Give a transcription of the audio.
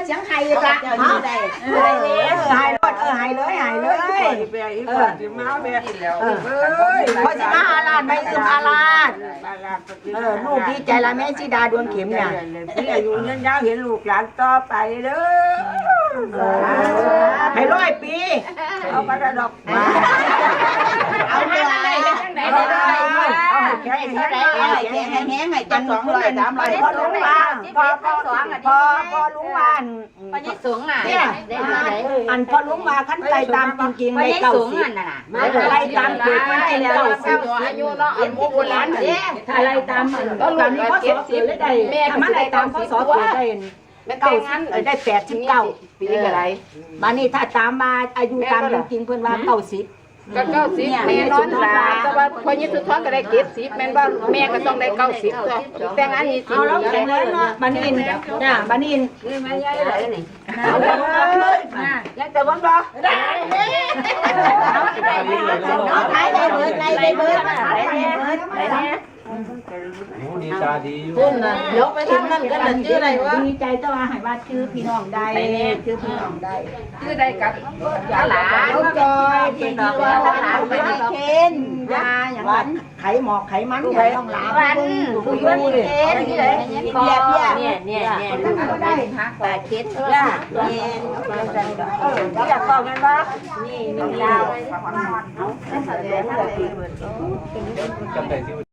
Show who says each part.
Speaker 1: เสียงไห้อยู่ละฮะหายรถหายเลยหายเลยพอสิมาอาลาดไม่ลืมอาลาดลูกดีใจละแม่ชิดาดวงเข็มเนี่ยพี่อายุยืนยาวเห็นลูกหลานต่อไปเด้อให้100 ปีเอากระดกมาเอาเรื่องอะไรเอาแค่แห้งให้จัง200 300พอลุงวานพอลุงวาน
Speaker 2: พอยี่สูงอ่ะ
Speaker 1: อันพอลุงมาขั้นใจตามจริงๆในเก่าสิอะไรตามเกิดมาได้แล้ว
Speaker 2: อายุเนาะอันโบราณเด้
Speaker 1: อะไรตามก็ตามนี้พ่อสอเกิดได้ถ้ามันอะไรตามพ่อสอเกิดได้90ได้89 ปีอะไรมานี่ถ้าตามมาอายุตามจริงๆเพิ่นว่า90
Speaker 2: ก็90แม่นอนหลาแต่ว่าพอยี่สุดท้องก็ได้70แม่นว่าแม่ก็ต้องได้90ตัวแต่งอันนี้
Speaker 1: เอาแล้วแข็งแรงเนาะบานินน่ะบานิน
Speaker 2: นี่แม่ยายได้นี่
Speaker 1: เอาเลยยังแต่บ่บ่ได้ขายได้เบิดได้เบิด
Speaker 3: ดีตาดีอยู่
Speaker 2: พุ่นน่ะยกไปถึงนั่นก็นั่นชื่ออะไรวะ
Speaker 1: ดีใจแต่ว่าให้ว่าชื่อพี่น้องได้ชื่อพี่น้องได้
Speaker 2: ชื่อใดกับหลาน
Speaker 1: ลูกจอยที่ดอกว่าหลานไม่ได้เค้นยาอย่างนั้นไขหมอกไขมันอย่างต้องหลานวันผู้ยุ่งเค้นนี่เลยเนี่ยได้8 คิดย่าเนี่ยอยากบอกกันว่านี่ยาว
Speaker 3: จำได้ที่